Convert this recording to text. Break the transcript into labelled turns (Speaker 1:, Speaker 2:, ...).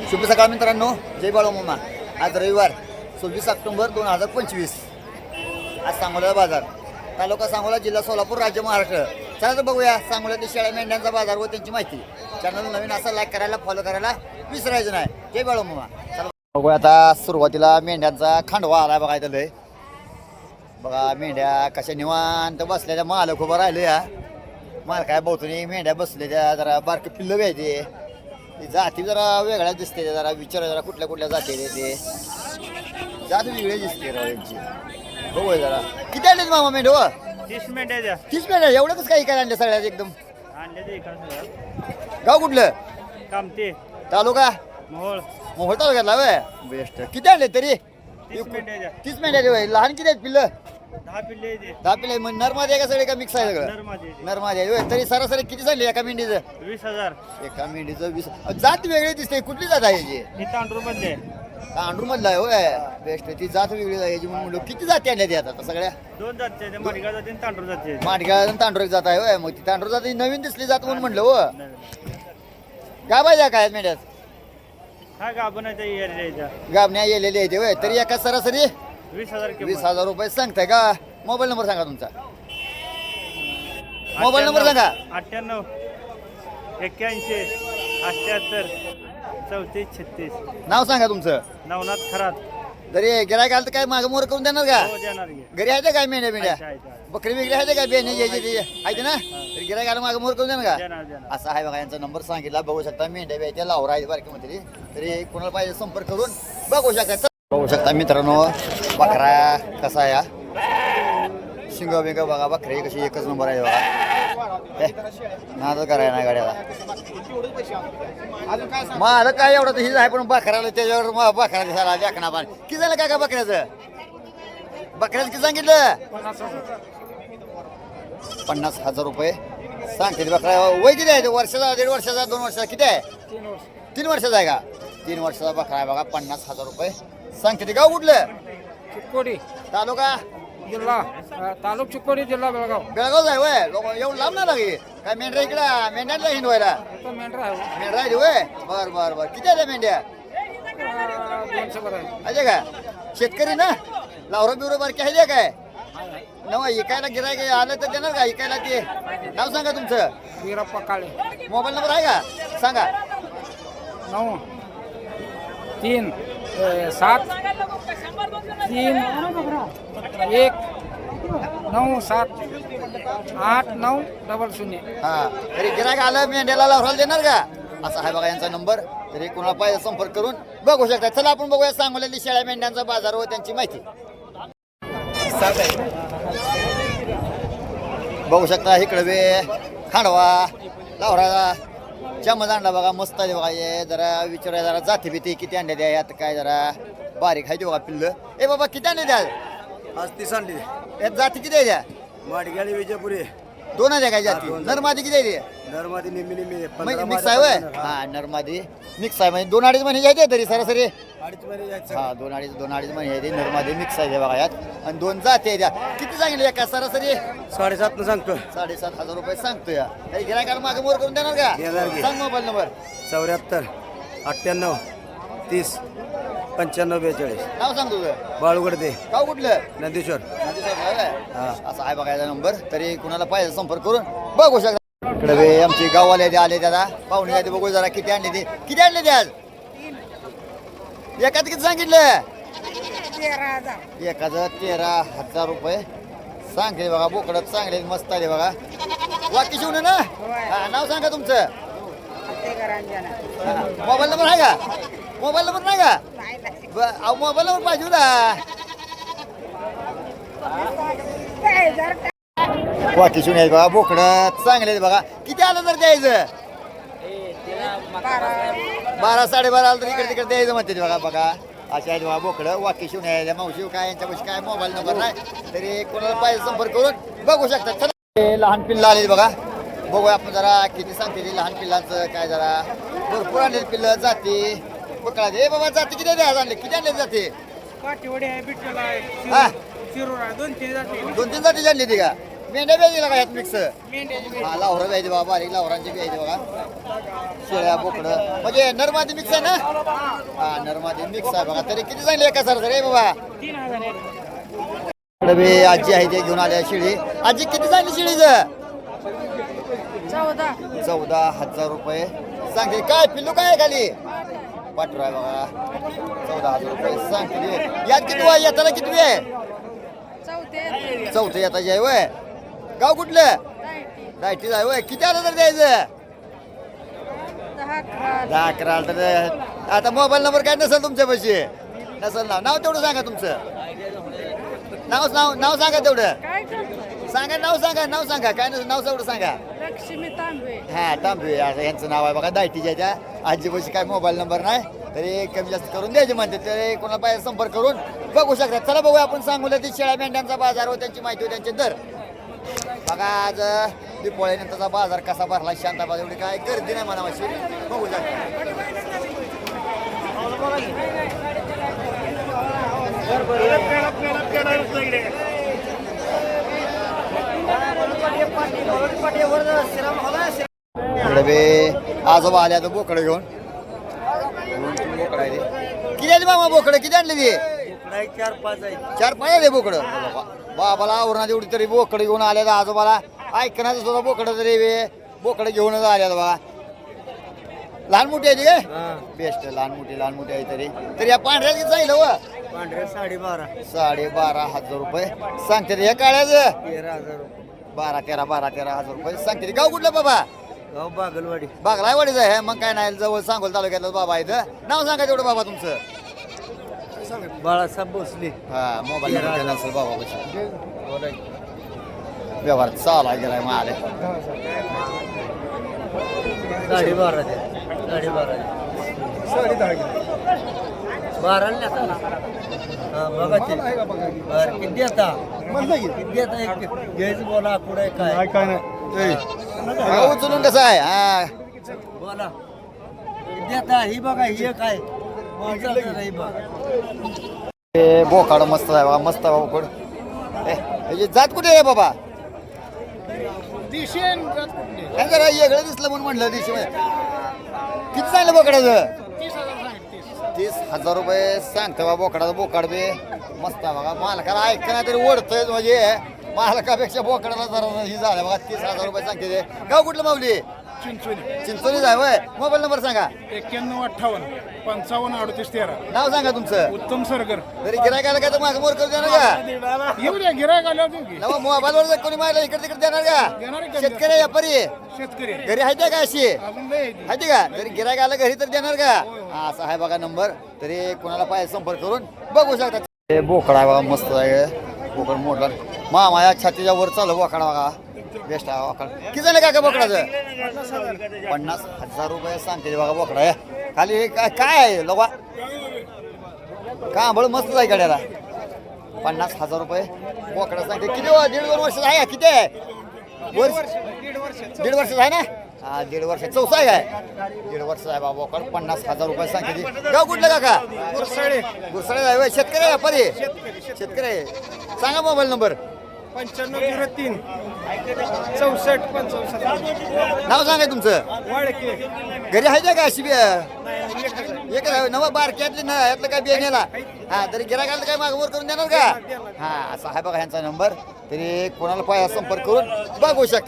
Speaker 1: शुभ सकाळ मित्रांनो, जय बाळू मामा. आज रविवार 26 ऑक्टोबर 2025. आज सांगोला बाजार, तालुका सांगोला, जिल्हा सोलापूर, राज्य महाराष्ट्र. चला तर बघूया सांगोल्यातील शेळ्या मेंढ्यांचा बाजार व त्यांची माहिती. चॅनल नवीन असा लाईक करायला, फॉलो करायला विसरायचं नाही. जय बाळू मामा. चला बघूया. आता सुरुवातीला मेंढ्यांचा खांडवा आला बघा. इथं बघा मेंढ्या कशा निवांत बसलेल्या, मालक उभं राहिले. या माल काय बहुतून मेंढ्या बसलेल्या, जरा बारके पिल्लं व्हायचे. जाती जरा वेगळ्या दिसते, जरा विचार जरा कुठल्या कुठल्या जाती ते जात वेगळे दिसते राव यांची. बघू जरा किती आणले मामा मेंढ?
Speaker 2: 30 मेंढ्या.
Speaker 1: 30 मेंढ्या. एवढंच काही काय आणले सगळ्यात एकदम? गाव कुठलं?
Speaker 2: कामते
Speaker 1: तालुका
Speaker 2: मोहोळ.
Speaker 1: मोहोळ तालुक्यातला वय. बेस्ट. किती आणले तरी?
Speaker 2: 30 मेंढ्या.
Speaker 1: 30 मेंढ्या. लहान किती आहेत पिल्लं?
Speaker 2: 10 पिल्ले.
Speaker 1: 10 पिल्ले. मग नरमादी आहे का सगळे का मिक्स आहे सगळं? नरमादी आहे. तरी सरासरी किती झाली एका मेंढीचं?
Speaker 2: 20,000.
Speaker 1: एका मेंढीचं 20. जात वेगळी दिसते. कुठली जात आहे याची?
Speaker 2: हे तांडूर मधले.
Speaker 1: तांडूर मधला आहे होय. बेस्ट. ती जात वेगळी आहे याची म्हणून म्हणलो. किती जाती आणल्या ती आता सगळ्या?
Speaker 2: 2 जाती, माडगा जाती आणि तांडूर जाती.
Speaker 1: माडगा आणि तांडूर जात आहे होय. मग ती तांडूर जात नवीन दिसली जात म्हणून म्हणलं हो. काय पाहिजे काय मेंढ्यात?
Speaker 2: हा गाभणाच्या एरियाचा
Speaker 1: गाबण्या येलेली आहे होय. तरी एका सरासरी
Speaker 2: 20,000.
Speaker 1: 20,000 रुपये सांगताय का? मोबाईल नंबर सांगा तुमचा. मोबाईल नंबर सांगा.
Speaker 2: 98 81 78 34 36.
Speaker 1: नाव सांगा तुमचं.
Speaker 2: नवनाथ खरात.
Speaker 1: जरी गिरायक आलं तर काय मागं मोर करून देणार का?
Speaker 2: हो देणार की.
Speaker 1: घरी आहे काय मेंढ्या मेंढ्या?
Speaker 2: आहे.
Speaker 1: बकरी वेगळी आहे का? बेने यायची आहे ना? तरी गिरायक आलं मागं मोर करून देणार का?
Speaker 2: देणार.
Speaker 1: असं आहे बघा. यांचा नंबर सांगितला. बघू शकता मेंढ्या व्यायच्या लावरा आहे बारकी मध्ये. तरी कोणाला पाहिजे संपर्क करून बघू शकता. बघू शकता मित्रांनो बकरा कसा आहे. शिंग बिंग बघा. बकरी कशी एकच नंबर आहे बघा. नाद करायला नाही गाड्याला. मला काय एवढं तर हीच आहे, पण बकऱ्याला त्याच्यावर बकरा दिसायला देखना पाणी. किती झालं काय का बकऱ्याचं? बकऱ्याचं किती सांगितलं? 50,000 रुपये सांगते. बकरा वय किती आहे? वर्षाचा, 1.5 वर्षाचा, 2 वर्षाचा? किती आहे? 3 वर्षाचा आहे का? 3 वर्षाचा बकरा आहे बघा. 50,000 रुपये सांगते. ते गाव कुठलं?
Speaker 3: चिक्कोडी
Speaker 1: तालुका
Speaker 3: जिल्हा तालुका चिक्कोडी जिल्हा बेळगाव.
Speaker 1: बेळगावच आहे वय. लोक एवढं लांब ना लागे काय? मेंढ्या इकडं मेंढ्यातला हिंडवायला
Speaker 3: तो मेंढरा आहे
Speaker 1: मेंढरा आहे वय. बर बर बर. किती आहे मेंढ्या?
Speaker 3: 200 बरं आहे.
Speaker 1: आहे का? शेतकरी ना? लावरा बिवरा बारकी आहे काय? नवा इकायला गिरायक आलं तर देणार का इकायला? ते नाव सांगा तुमचं.
Speaker 3: वीरप्पा काळे.
Speaker 1: मोबाईल नंबर आहे का? सांगा.
Speaker 3: 9 3 7 3 1 9 7 8 9 00.
Speaker 1: हा. तरी गिरायक आलं मेंढ्याला लावराला देणार का? असा आहे बघा यांचा नंबर. तरी कोणाला पाहिजे संपर्क करून बघू शकता. चला आपण बघूया सांगोल्यातील शेळ्या मेंढ्यांचा बाजार व त्यांची माहिती. बघू शकता इकडे बे खांडवा लावरा चमच आणला बघा. मस्त आहे बघा. हे जरा विचारा जरा जाती भीती किती आणले द्या. यात काय जरा बारीक आहे ते बघा पिल्ल. ए बाबा किती आणले द्या?
Speaker 4: आज 30 आणली.
Speaker 1: यात जाती किती आहे द्या?
Speaker 4: माडगाडी विजयपुरी.
Speaker 1: 2 आहे काय जाती?
Speaker 4: दोन.
Speaker 1: नरमादी किती आहे?
Speaker 4: नरमादी निम्मी
Speaker 1: मिक्स आहे वय. हा नरमादी मिक्स आहे म्हणजे 2-2.5 महिने जायचे तरी सरासरी.
Speaker 4: 2.5 महिने जायचं.
Speaker 1: हा 2-2.5 महिने आहे. नरमादी मिक्स आहे बघा यात. आणि 2 जाती आहे द्या. किती सांगितले एका सरासरी?
Speaker 4: 7.5 न सांगतो.
Speaker 1: 7,500 रुपये सांगतो या. काही गिरायकाला मागे मोर करून देणार का?
Speaker 4: देणार की.
Speaker 1: सांग मोबाईल नंबर.
Speaker 4: 74 98 30 95 42.
Speaker 1: नाव सांग तुझं.
Speaker 4: बाळूगडदे
Speaker 1: गाव कुठलं?
Speaker 4: नंदीश्वर.
Speaker 1: असा आहे बघायचा नंबर. तरी कुणाला पाहिजे संपर्क करून बघू शकता. इकडे बे आमची गाववाले आले दादा पाहुणे आले. बघू जरा किती आणले ते. किती आणले ते आज? एकाच किती सांगितलं?
Speaker 3: 13,000.
Speaker 1: एकाचं 13,000 रुपये सांगते बघा. बोकडत चांगले मस्त आले बघा. वाकी शिवणे ना? हा नाव सांगा तुमचं. मोबाईल नंबर आहे का? मोबाईल नंबर नाही का? मोबाईल नंबर पाहिजे होता. वाकी शिवणे बघा. बोकडत चांगले बघा. किती आलं तर द्यायचं? 12 12:30 आलं तर इकडे तिकडे द्यायचं म्हणते बघा. बघा अशा आहेत बघा बोकडं. वाकी शिवणे आहे. मावशी काय यांच्यापाशी काय मोबाईल नंबर नाही. तरी कोणाला पाहिजे संपर्क करून बघू शकता. चला लहान पिल्लं आले बघा. बघूया आपण जरा किती सांगते ते लहान पिल्लांचं काय. जरा भरपूर आणले पिल्लं जाती बकळा. हे बाबा जाती किती द्या आणले? किती आणले जाते?
Speaker 3: काठीवडी आहे, बिट्टल आहे,
Speaker 1: हा
Speaker 3: शिरूर आहे, 2-3 जाती.
Speaker 1: 2-3 जाती आणली ती का? मेंढ्या व्यायची का यात मिक्स हा लावरा व्यायची बाबा बारीक लावरांची व्यायची बघा शेळ्या बोकडं म्हणजे नरमादी मिक्स आहे ना हा नरमादी मिक्स आहे बघा तरी किती सांगली एका सर रे बाबा इकडे बी आजी आहे ते घेऊन आल्या शिळी आजी किती सांगली शिळीचं 14,000 रुपये सांगते काय पिल्लू काय आहे खाली पाठरू आहे बघा 14,000 रुपये सांगते यात किती आहे येताना किती आहे चौथे येताची आहे वय गाव कुठलं डायटीच आहे वय किती आलं तर द्यायचं 10-11 तर आता मोबाईल नंबर काय नसेल तुमच्यापाशी नसेल नाव तेवढं सांगा तुमचं नाव सांगा तेवढं सांगा नाव सांगा काय नसेल नाव तेवढं सांगा
Speaker 3: लक्ष्मी तांबे
Speaker 1: हा तांबे आता यांचं नाव आहे बघा दायटीच्या त्या आजीपाशी काय मोबाईल नंबर नाही तरी कमी जास्त करून द्यायचे म्हणते तरी कोणाला पाहिजे संपर्क करून बघू शकतात चला बघूया आपण सांगूया ती शेळ्या मेंढ्यांचा बाजार व त्यांची माहिती व त्यांचे दर बघा आज दिपोळीनंतरचा बाजार कसा भरला शांताबाद एवढी काय गर्दी नाही म्हणावाशी बघू इकडे बे आजोबा आले आता बोकडं घेऊन बोकडं आहे ते किती आली मामा बोकडं किती आणली ती 4-5 आहे बोकडं बाबाला आवरणात एवढी तरी बोकडं घेऊन आले आजोबाला ऐकण्याचं सुद्धा बोकडं तरी बोकडं घेऊनच आले बघा लहान मोठी आहे ती काय बेस्ट लहान मोठी आहे तरी या पांढऱ्या किती जाईल व 12,500 रुपये सांगते रे. या काळ्याचं 12,000 रुपये सांगते रे. गाव कुठलं बाबा
Speaker 4: गाव बागलवाडी
Speaker 1: बागलावाडीचं आहे मग काय नाही जवळ सांगोल तालुक्यातलं बाबा इथं नाव सांगा तेवढं बाबा तुमचं
Speaker 4: बाळासाहेब भोसले
Speaker 1: हा मोबाईल नंबर असेल बाबा व्यवहार चालू गेलाय मग आले
Speaker 4: 12 किती आता घ्यायचं बोला पुढे काय
Speaker 2: काय नाही
Speaker 1: उचलून कसं आहे हा
Speaker 4: बोला किती आता ही बघा ही काय ही बघा
Speaker 1: हे बोकाड मस्त आहे बघा मस्त आहे बोकड हे जात कुठे आहे बाबा काय जरा वेगळं दिसलं म्हणून म्हटलं दिशी किती सांगलं बोकडाचं 30,000 रुपये सांगतो बा बोकडाचं बोकाड बे मस्त आहे बघा मालकाला ऐकणं तरी ओढतोय म्हणजे मालकापेक्षा बोकडाला जरा ही झालं बघा 30,000 रुपये सांगते ते गाव कुठलं माऊली चिंचोली जाय वय मोबाईल नंबर सांगा
Speaker 3: 9158
Speaker 1: नाव सांगा तुमचं
Speaker 3: उत्तम सरगर
Speaker 1: तरी गिरायकाला काय तर माझं मोर करू देणार का
Speaker 3: येऊ द्या गिरायक आल्यावर देऊ की
Speaker 1: नवा मोबाईलवर जर कोणी मारला इकडे तिकडे देणार
Speaker 3: देणार
Speaker 1: का
Speaker 3: का?
Speaker 1: शेतकरी व्यापारी
Speaker 3: शेतकरी
Speaker 1: घरी आहे का अशी
Speaker 3: अजून लय आहे ती.
Speaker 1: आहे का तरी गिरायक आलं घरी तर देणार का हा असा आहे बघा नंबर तरी कोणाला पाहिजे संपर्क करून बघू शकता हे बोकड आहे बघा मस्त आहे बोकड मोठा मामा या छातीच्या वर चालू बोकडा बघा बेस्ट आहे बोकड किती झालं काका बोकडाचं 50,000 रुपये सांगते बघा बोकडा आहे खाली हे काय आहे लोबा का बळ मस्त आहे गाड्याला 50,000 रुपये बोकडा सांगते किती 1.5-2 वर्ष आहे का? किती आहे दीड वर्ष आहे ना हा 1.5 वर्ष चौसा आहे काय 1.5 वर्ष आहे बाबा बोकड 50,000 रुपये सांगते गाव कुठलं काका गुरसाळे आहे होय. शेतकरी आहे व्यापारी शेतकरी आहे सांगा मोबाईल नंबर
Speaker 3: 9503 64 65
Speaker 1: नाव सांगा तुमचं
Speaker 3: वाडके
Speaker 1: घरी आहे का अशी एक नवा बारक्यातली ना यातलं काय बियाण्याला हा तरी गिरायकाला काय मागवर करून देणार का हा असा आहे बघा ह्यांचा नंबर तरी कोणाला पाहिजे संपर्क करून बघू शकता